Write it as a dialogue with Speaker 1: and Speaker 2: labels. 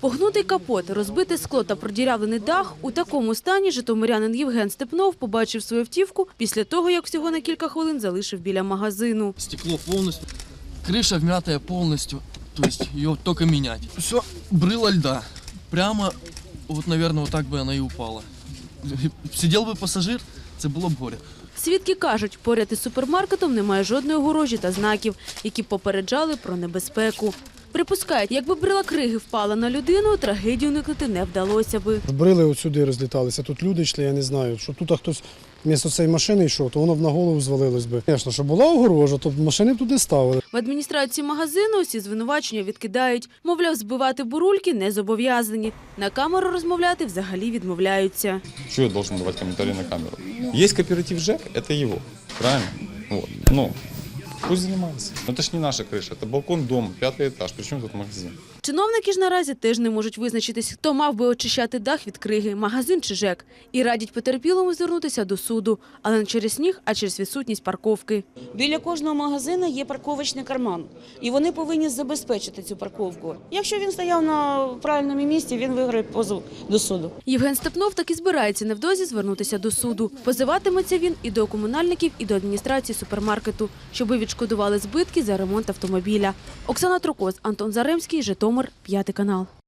Speaker 1: Погнутий капот, розбите скло та продірявлений дах – у такому стані житомирянин Євген Степнов побачив свою автівку після того, як всього на кілька хвилин залишив біля магазину.
Speaker 2: Стекло полностью, крыша вмятая полностью, то есть ее только менять. Все, брыло льда. Прямо, вот, наверное, вот так бы она и упала. Сидел бы пассажир, це було б горе.
Speaker 1: Свідки кажуть, поряд із супермаркетом немає жодної огорожі та знаків, які попереджали про небезпеку. Припускають, якби брила криги впала на людину, трагедію уникнути не вдалося би.
Speaker 3: Брили от сюди розліталися, тут люди йшли, я не знаю, що тут хтось вмісто цієї машини йшов, то воно б на голову звалилось би. Звісно, що була огорожа, то машини б тут не ставили.
Speaker 1: В адміністрації магазину усі звинувачення відкидають. Мовляв, збивати бурульки не зобов'язані. На камеру розмовляти взагалі відмовляються.
Speaker 4: Что я должен давать комментарии на камеру? Есть кооператив ЖЭК, это его, правильно? Вот. Ну, пусть занимается. Но это ж не наша крыша, это балкон дома, 5-й этаж, причем тут магазин.
Speaker 1: Чиновники ж наразі теж не можуть визначитись, хто мав би очищати дах від криги, магазин чи ЖЕК. І радять потерпілому звернутися до суду. Але не через сніг, а через відсутність парковки.
Speaker 5: Біля кожного магазину є парковочний карман, і вони повинні забезпечити цю парковку. Якщо він стояв на правильному місці, він виграє позов до суду.
Speaker 1: Євген Степнов так і збирається невдовзі звернутися до суду. Позиватиметься він і до комунальників, і до адміністрації супермаркету, щоби відшкодували збитки за ремонт автомобіля. Оксана Трокоз, Антон Заремський, Житомир, 5 канал.